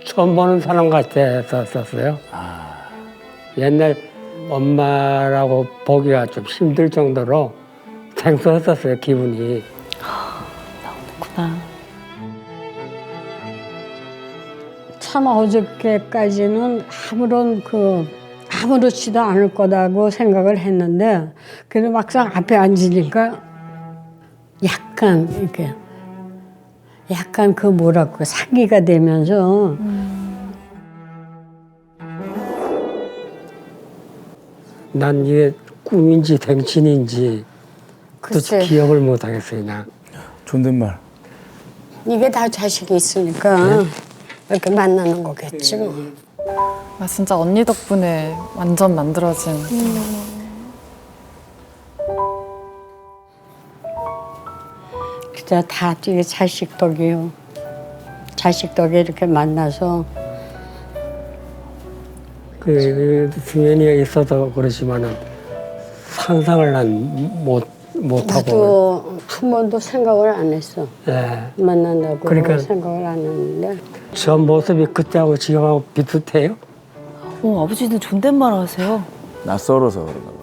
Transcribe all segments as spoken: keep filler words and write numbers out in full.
처음 보는 사람 같았었어요. 아. 옛날 엄마라고 보기가 좀 힘들 정도로 생소했었어요, 기분이. 그렇구나. 참 어저께까지는 아무런 그 아무렇지도 않을 거다고 생각을 했는데 그래도 막상 앞에 앉으니까 약간 이렇게 약간 그 뭐랄까 상기가 되면서 난 이게 꿈인지 생신인지 글쎄. 또 기억을 못 하겠어요, 그냥. 존댓말. 이게 다 자식이 있으니까 이렇게 만나는 거겠지 뭐. 아, 진짜 언니 덕분에 완전 만들어진. 진짜 다 이게 자식 덕이요. 자식 덕에 이렇게 만나서 그, 그 승현이가 있어서 그러지만은 상상을 난 못, 못하고. 나도 한 번도 생각을 안 했어. 예. 만난다고 그러니까- 생각을 안 했는데 저 모습이 그때하고 지금하고 비슷해요? 어, 아버지는 존댓말 하세요. 낯설어서 그런가 봐.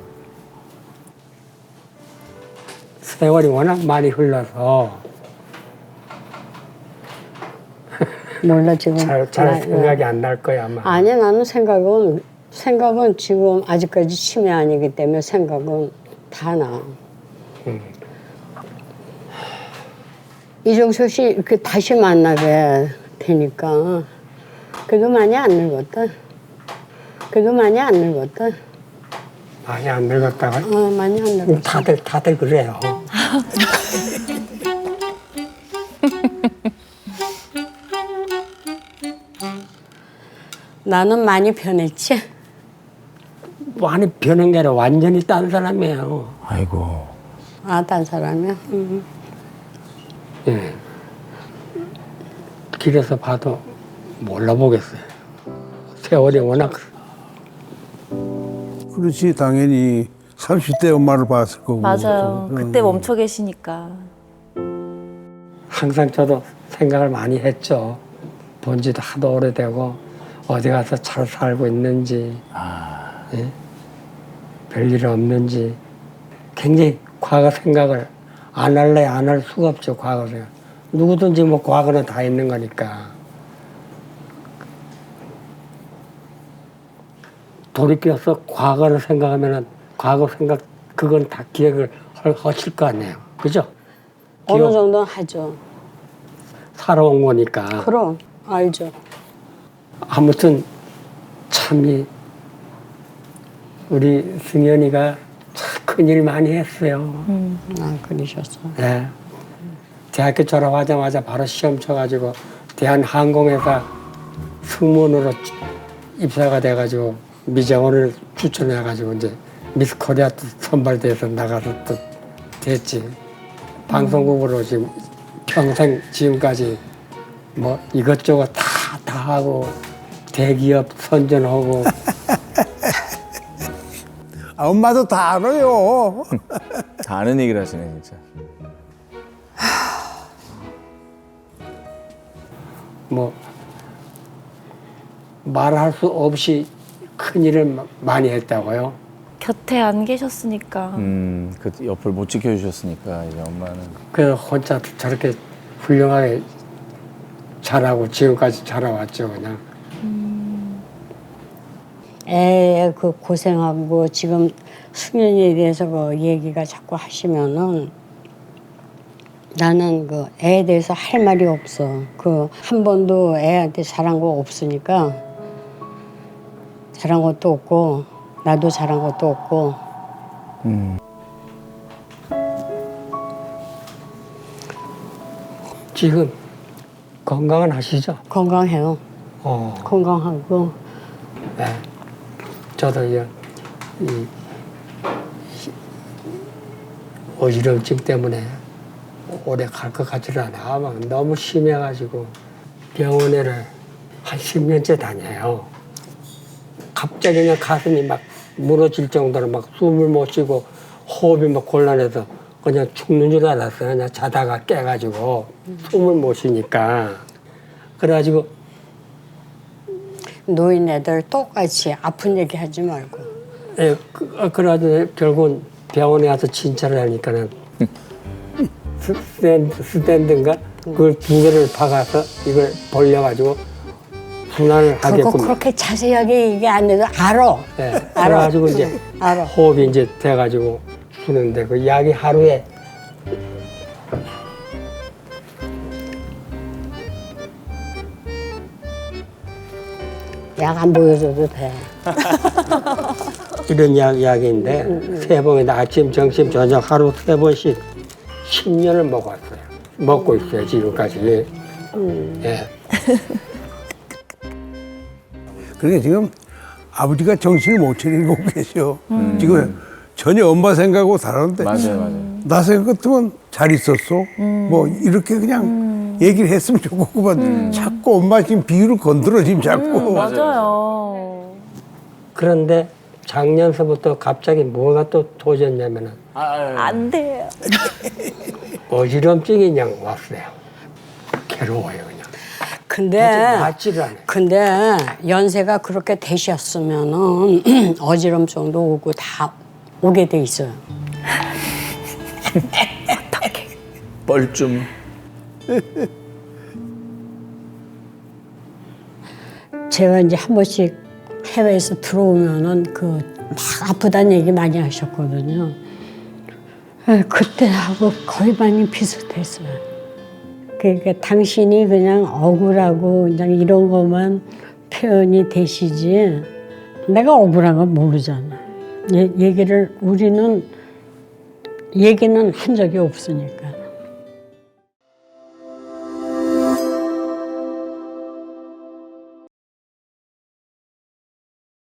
세월이 워낙 많이 흘러서 몰라 지금. 잘, 잘 나- 생각이 안 날 거야, 아마. 아니 나는 생각은 생각은 지금 아직까지 치매 아니기 때문에 생각은 다 나. 음. 이종석 씨 이렇게 다시 만나게 되니까 그래도 많이 안 늙었다. 그래도 많이 안 늙었다. 많이 안 늙었다가. 어 많이 안 늙었다. 다들, 다들 그래요. 나는 많이 변했지. 많이 변한 게 아니라 완전히 딴 사람이에요. 아이고. 아, 딴 사람이야. 응. 예. 길에서 봐도 몰라보겠어요. 세월이 워낙. 그렇지 당연히 삼십 대 엄마를 봤을 거고. 맞아요. 응. 그때 멈춰 계시니까. 항상 저도 생각을 많이 했죠. 본 지도 하도 오래되고 어디 가서 잘 살고 있는지, 아. 예? 별일 없는지 굉장히 과거 생각을 안 할래 안 할 수가 없죠. 과거 생각. 누구든지 뭐 과거는 다 있는 거니까. 돌이켜서 과거를 생각하면은 과거 생각 그건 다 기억을 하- 하실 거 아니에요. 그죠? 어느 기억 정도는 하죠. 살아온 거니까. 그럼 알죠. 아무튼 참이 우리 승현이가 참 큰일 많이 했어요. 아 그러셨어. 네. 대학교 졸업하자마자 바로 시험 쳐가지고 대한항공회사 승무원으로 입사가 돼가지고 미정원을 추천해가지고 이제 미스 코리아 또 선발대회에서 나가서 또 됐지. 방송국으로 지금 평생 지금까지 뭐 이것저것 다, 다 하고 대기업 선전하고 아, 엄마도 다 알아요. 다 아는 얘기를 하시네, 진짜. 뭐 말할 수 없이 큰일을 많이 했다고요. 곁에 안 계셨으니까. 음, 그 옆을 못 지켜주셨으니까, 이제 엄마는. 그 혼자 저렇게 훌륭하게 잘하고 지금까지 자라왔죠 그냥. 애 그 고생하고 지금 승현이에 대해서 그 얘기가 자꾸 하시면은 나는 그 애에 대해서 할 말이 없어. 그 한 번도 애한테 잘한 거 없으니까 잘한 것도 없고 나도 잘한 것도 없고. 음. 지금 건강은 하시죠? 건강해요. 어. 건강하고 네. 저도 이제 이 어지럼증 때문에 오래 갈 것 같지를 않아. 막 너무 심해가지고 병원에를 한 십 년째 다녀요. 갑자기 그냥 가슴이 막 무너질 정도로 막 숨을 못 쉬고 호흡이 막 곤란해서 그냥 죽는 줄 알았어요. 그냥 자다가 깨가지고 숨을 못 쉬니까. 그래가지고 노인 애들 똑같이 아픈 얘기 하지 말고. 예, 그, 어, 그래가지고 결국은 병원에 와서 진찰을 하니까는 스- 스탠드, 스탠드인가? 그걸 두 개를 박아서 이걸 벌려가지고 순환을 그거 하게끔. 그렇게 자세하게 얘기 안 해도 알아. 예, 알아. 그래가지고 이제 알아. 호흡이 이제 돼가지고 주는데 그 약이 하루에 약 안 보여줘도 돼. 이런 약, 약인데 세 번이나 아침, 점심, 저녁 하루 세 번씩 십 년을 먹었어요. 먹고 있어요 지금까지. 예. 그러니까 지금 아버지가 정신을 못 차리고 계셔. 지금 전혀 엄마 생각하고 다른데. 맞아요, 맞아요. 나 생각 같으면 잘 있었어. 뭐 이렇게 그냥 얘기를 했으면 좋겠구만. 자꾸 엄마 지금 비유를 건드려 지금 자꾸. 맞아요. 그런데 작년서부터 갑자기 뭐가 또 터졌냐면은 아, 아, 아. 안 돼요. 어지럼증이 그냥 왔어요. 괴로워요 그냥. 근데 낫지를 않아요. 근데 연세가 그렇게 되셨으면은 어지럼증도 오고 다 오게 돼 있어요. 뻘쭘. 제가 이제 한 번씩 해외에서 들어오면은 그 막 아프다는 얘기 많이 하셨거든요. 에, 그때하고 거의 많이 비슷했어요. 그러니까 당신이 그냥 억울하고 그냥 이런 것만 표현이 되시지 내가 억울한 건 모르잖아. 얘, 얘기를 우리는 얘기는 한 적이 없으니까.